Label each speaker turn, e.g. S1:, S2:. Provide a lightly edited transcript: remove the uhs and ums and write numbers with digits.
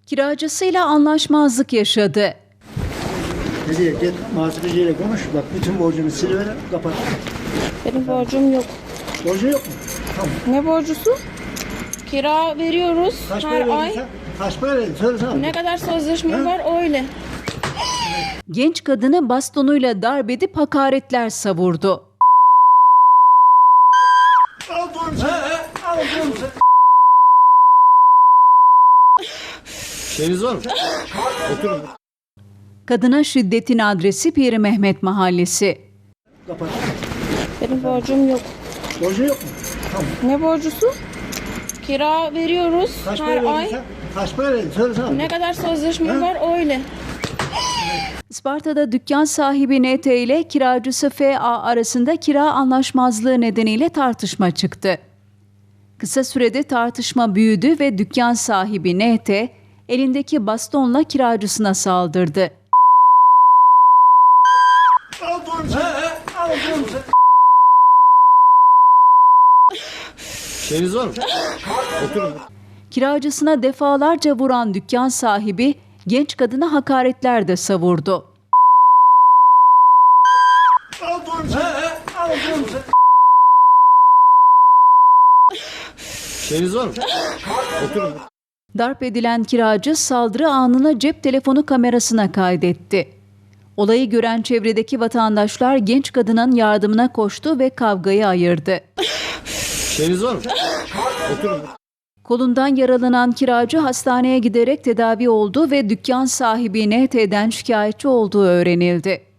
S1: Kiracısıyla anlaşmazlık yaşadı.
S2: Hediye git muhasebeciyle konuş. Bak bütün borcunu siliver, kapat.
S3: Benim borcum yok.
S2: Borcu yok mu? Tamam.
S3: Ne borcusu? Kira veriyoruz
S2: Kaç
S3: her
S2: para verdin
S3: ay.
S2: sen? Kaç para verdin? Söylesene.
S3: Ne kadar sözleşme var öyle.
S1: Genç kadını bastonuyla darp edip hakaretler savurdu.
S2: Al bunu sen. Al bunu sen.
S4: Şeyiniz var mı? Oturun.
S1: Kadına şiddetin adresi Piri Mehmet Mahallesi.
S2: Kapat.
S3: Benim borcum yok.
S2: Borcu yok mu? Tamam.
S3: Ne borcusu? Kira veriyoruz
S2: Kaç para
S3: her
S2: verdin
S3: ay.
S2: sen? Kaç para verdin? Söylesene.
S3: Ne kadar sözleşme var öyle.
S1: Isparta'da dükkan sahibi NT ile kiracısı FA arasında kira anlaşmazlığı nedeniyle tartışma çıktı. Kısa sürede tartışma büyüdü ve dükkan sahibi NT elindeki bastonla kiracısına saldırdı.
S2: Al bunu sen. Al bunu sen.
S4: Şeyiniz var mı? Oturun.
S1: Kiracısına defalarca vuran dükkan sahibi genç kadına hakaretler de savurdu.
S2: Al bunu sen. Al bunu sen.
S4: Şeyiniz var mı? Oturun.
S1: Darp edilen kiracı saldırı anını cep telefonu kamerasına kaydetti. Olayı gören çevredeki vatandaşlar genç kadının yardımına koştu ve kavgayı ayırdı.
S4: Şeyiniz var mı? Oturun.
S1: Kolundan yaralanan kiracı hastaneye giderek tedavi oldu ve dükkan sahibi NT'den şikayetçi olduğu öğrenildi.